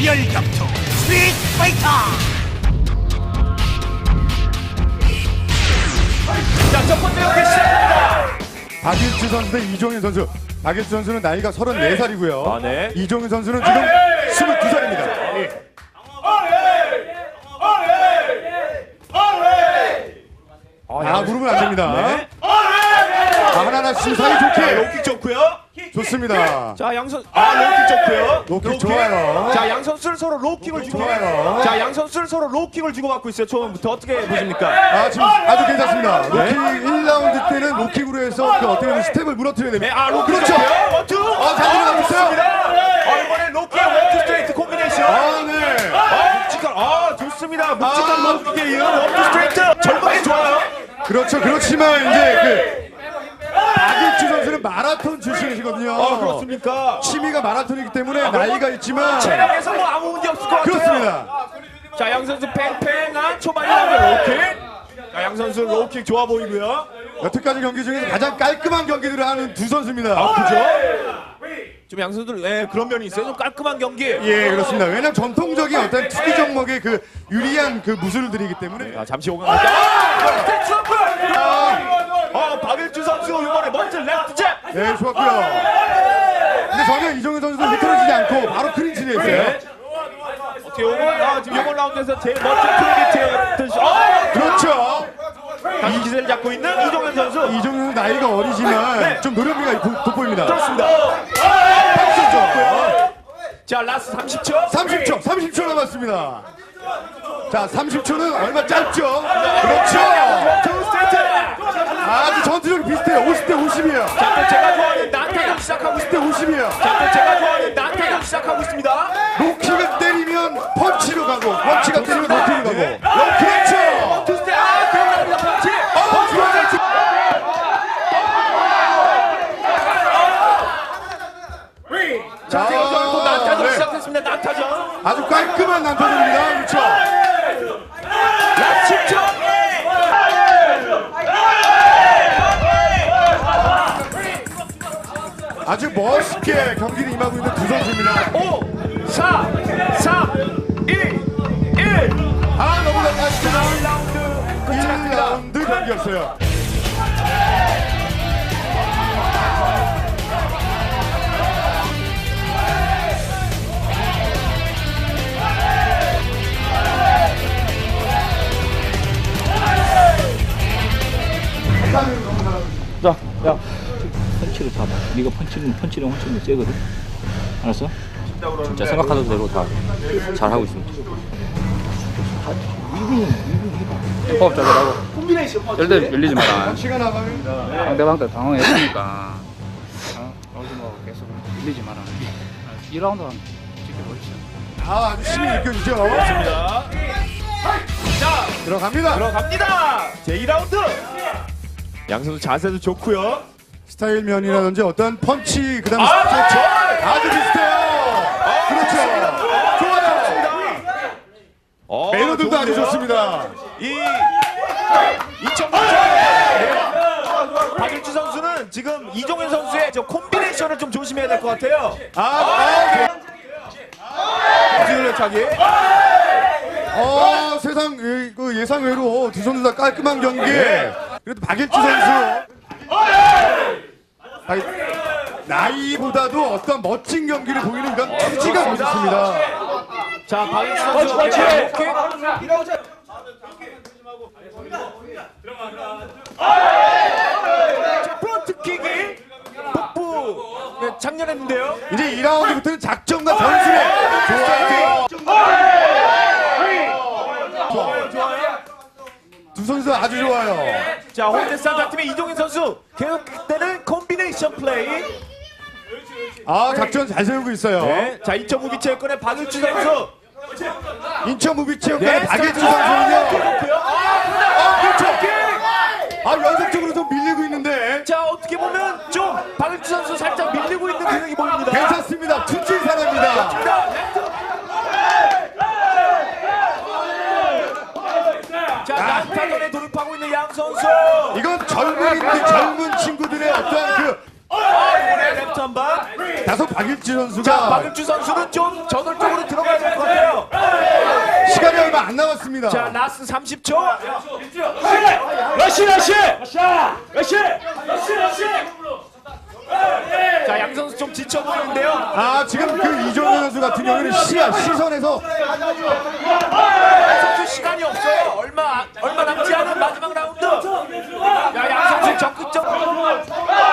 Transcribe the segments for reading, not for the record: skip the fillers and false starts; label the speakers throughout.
Speaker 1: 특별 격투 스트리트 파이터.
Speaker 2: 자, 첫 번째 경기 시작합니다.
Speaker 3: 박일주 선수 대 이종현 선수. 박일주 선수는 나이가 34살이고요.
Speaker 2: 아, 네.
Speaker 3: 이종현 선수는 지금 22살입니다. 무릎은 안 됩니다.
Speaker 2: 네.
Speaker 3: 하나하나씩 사이 좋게.
Speaker 2: 로킥 좋고요.
Speaker 3: 좋습니다.
Speaker 2: 자, 양선 로킥 좋고요.
Speaker 3: 로킥 좋아요.
Speaker 2: 자, 양 선수는 서로 로킥을 주고
Speaker 3: 좋아요.
Speaker 2: 자, 양 선수는 서로 로킥을 주고 받고 있어요. 처음부터 어떻게 보십니까?
Speaker 3: 지금 아주 괜찮습니다.
Speaker 2: 네.
Speaker 3: 로킥 1라운드 때는 로킥으로 해서 그 어떻게 보면 스텝을 무너뜨려야 됩니다.
Speaker 2: 로킥
Speaker 3: 그렇죠.
Speaker 2: 좋고요. 원투.
Speaker 3: 잘 들어가고 있어요.
Speaker 2: 이번에 로킥 원투 스트레이트 콤비네이션.
Speaker 3: 네.
Speaker 2: 묵직한 좋습니다. 묵직한 로킥에 이은 원투 스트레이트. 절반이 좋아요.
Speaker 3: 그렇죠. 그렇지만 이제 박일주 선수는 마라톤 출신이시거든요.
Speaker 2: 그렇습니까?
Speaker 3: 취미가 마라톤이기 때문에 나이가 있지만
Speaker 2: 체력에서 뭐 아무 문제 없을 것 같아요.
Speaker 3: 그렇습니다.
Speaker 2: 자, 양 선수 팽팽한 초반이 나오는 로킥. 자, 양 선수 로킥 좋아 보이고요.
Speaker 3: 여태까지 경기 중에서 가장 깔끔한 경기들을 하는 두 선수입니다.
Speaker 2: 그죠? 좀 양 선수들 그런 면이 있어요. 좀 깔끔한 경기.
Speaker 3: 예, 그렇습니다. 왜냐면 전통적인 어떤 투기 종목의 그 유리한 그 무술들이기 때문에.
Speaker 2: 잠시 오강할게요. 박일주 선수 이번에 먼저 레프트 잽.
Speaker 3: 네, 좋았고요. 근데 전혀 이종현 선수도 흐트러지지 않고 바로 클린치를 했어요.
Speaker 2: 어떻게 지금 이번 라운드에서 제일 멋진 클린치.
Speaker 3: 그렇죠.
Speaker 2: 다시 기세를 잡고 있는 이종현 선수.
Speaker 3: 이종현 선수 나이가 어리지만 좀 노련미가 돋보입니다.
Speaker 2: 그렇습니다.
Speaker 3: 좋았고요.
Speaker 2: 자, 라스트 30초.
Speaker 3: 30초 남았습니다. 자, 30초는 얼마 짧죠? 그렇죠.
Speaker 2: 투 스트레이트.
Speaker 3: 아주 전투력이 비슷해요. 50대 50이에요.
Speaker 2: 자, 또 제가 좋아하는 난타전 시작하고
Speaker 3: 50대 50이에요.
Speaker 2: 자, 또 제가 좋아하는 난타전 시작하고 있습니다.
Speaker 3: 로킥을 때리면 펀치로 가고, 펀치가 때리면 로킥으로 가고. 그렇죠.
Speaker 2: 투 스테이트. 기억납니다. 펀치. 자, 또 난타전
Speaker 3: 네.
Speaker 2: 시작했습니다. 난타전.
Speaker 3: 아주 깔끔한 난타전입니다. 그렇죠.
Speaker 2: 라스트 10초.
Speaker 3: 아주 멋있게 경기를 임하고 있는 두 선수입니다.
Speaker 2: 5, 4, 3, 2, 1.
Speaker 3: 너무 잘하시죠.
Speaker 2: 1라운드 끝이 났습니다.
Speaker 3: 1라운드 경기였어요.
Speaker 4: 자, 야, 펀치를 잡아. 네가 펀치를 엄청 세거든. 알았어? 진짜 생각하는 대로 다 잘하고 있습니다. 위빙 해봐. 호흡 잘 하고. 절대 밀리지 마라.
Speaker 3: 시간 나가면
Speaker 4: 상대방도 당황했으니까. 어디 뭐 계속 밀리지 마라. 2라운드 한 지켜보시죠.
Speaker 3: 아주 힘이 느껴지죠.
Speaker 2: 좋습니다. 자,
Speaker 3: 들어갑니다.
Speaker 2: 들어갑니다. 제2라운드. 양 선수 자세도 좋고요.
Speaker 3: 스타일 면이라든지 어떤 펀치 그다음에
Speaker 2: 그렇죠.
Speaker 3: 스트레치 아주 비슷해요. 그렇죠. 좋아요. 매너들도 아주 좋습니다.
Speaker 2: 이 2000년 박일주 선수는 지금 이종현 선수의 저 콤비네이션을 좀 조심해야 될 것 같아요. 뒤돌려차기.
Speaker 3: 세상 그 예상 외로 두 선수 다 깔끔한 경기. 그래도 박일주 선수 나이보다도 어떤 멋진 경기를 보이는 그런 투지가 멋있습니다.
Speaker 2: 자, 박일주 선수 이렇게 자, 프론트킥이 복부 장렬했는데요.
Speaker 3: 이제 2라운드부터는 작전과 전술에 좋아요. 두 선수 아주 좋아요.
Speaker 2: 자, 홍대산타 팀의 이종현 선수 계속되는 콤비네이션 플레이.
Speaker 3: 작전 잘 세우고 있어요.
Speaker 2: 네. 자, 2점 무비체육권의 박일주 선수.
Speaker 3: 인천 무비체육관의 박일주 선수는요. 그렇죠. 연속적으로 좀 밀리고 있는데
Speaker 2: 자, 어떻게 보면 좀 박일주 선수 살짝 밀리고 있는 분위기 보입니다.
Speaker 3: 괜찮습니다. 투지 사람입니다.
Speaker 2: 자, 난타전에 돌입하고 있는 양 선수.
Speaker 3: 이건 젊은 친구들의 어떠한 그
Speaker 2: 이번에 랩트 한 방.
Speaker 3: 다소 박일주 선수가
Speaker 2: 자, 박일주 선수는 좀 저돌적으로 들어가야 될 것
Speaker 3: 안 남았습니다.
Speaker 2: 자, 라스 30초.
Speaker 4: 러시.
Speaker 2: 자, 양 선수 좀 지쳐 보이는데요.
Speaker 3: 아, 지금 그 이종현 선수 같은 경우는 시선에서
Speaker 2: 양 선수 시간이 없어요. 얼마 남지 않은 마지막 라운드. 야, 양 선수 적극적.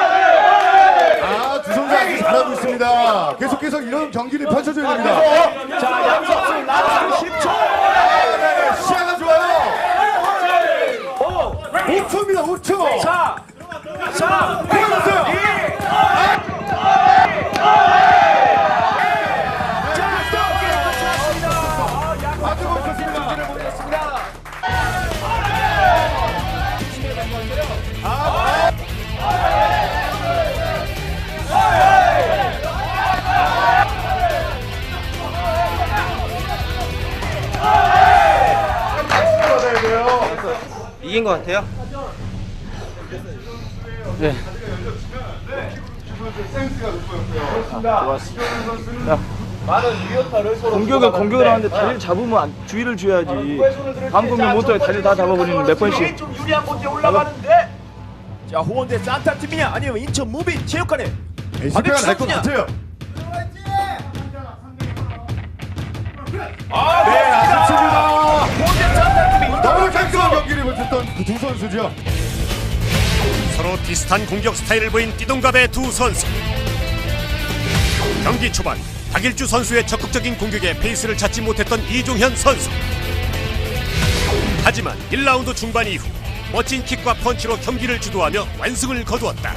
Speaker 3: 두 선수 아주 잘하고 있습니다. 계속해서 이런 경기를 펼쳐줘야 됩니다.
Speaker 2: 자, 양 선수 라스 10초.
Speaker 3: 네, 시야가 좋아요. 5초입니다. 5초.
Speaker 2: 자,
Speaker 3: 들어갔어요. 아주 멋졌습니다.
Speaker 5: 이긴 것 같아요.
Speaker 4: 네. 공격을 하는데 다리를 잡으면 주의를 줘야지. 방금은 못해 다리 다 잡아버리는 몇 번씩.
Speaker 2: 좀 유리한 곳에 올라가는데. 자, 호원대 산타 팀이냐 아니면 인천 무비 체육관에
Speaker 3: SK가 날 것 같아요. 네, 아쉽습니다.
Speaker 2: 호원대 산타 팀이
Speaker 3: 너무 깔끔한 경기를 펼쳤던 그 두 선수죠.
Speaker 1: 서로 비슷한 공격 스타일을 보인 띠동갑의 두 선수. 경기 초반 박일주 선수의 적극적인 공격에 페이스를 찾지 못했던 이종현 선수. 하지만 1라운드 중반 이후 멋진 킥과 펀치로 경기를 주도하며 완승을 거두었다.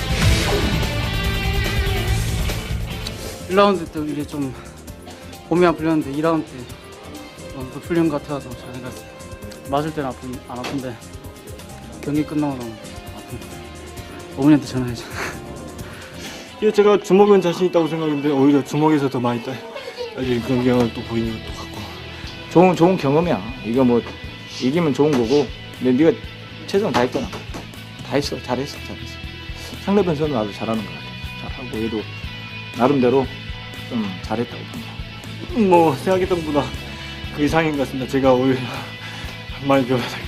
Speaker 6: 1라운드 때 이게 좀 몸이 안 풀렸는데 2라운드 때 더 풀린 것 같아서 잘 생겼어요. 맞을 때는 안 아픈데 경기 끝나고 너무 아픈. 어머니한테 전화해줘.
Speaker 7: 이게 제가 주먹은 자신 있다고 생각했는데 오히려 주먹에서 더 많이 따지는 그런 경향을 또 보이는 것도 같고.
Speaker 4: 좋은 경험이야. 이거 뭐 이기면 좋은 거고. 근데 네가 최선 다했잖아. 다 했어. 잘했어. 상대편 선은 아주 잘하는 것 같아. 잘하고 얘도 나름대로 좀 잘했다고 봅니다.
Speaker 7: 뭐 생각했던 것보다 그 이상인 것 같습니다. 제가 오히려 많이 배워야 될 것 같아요.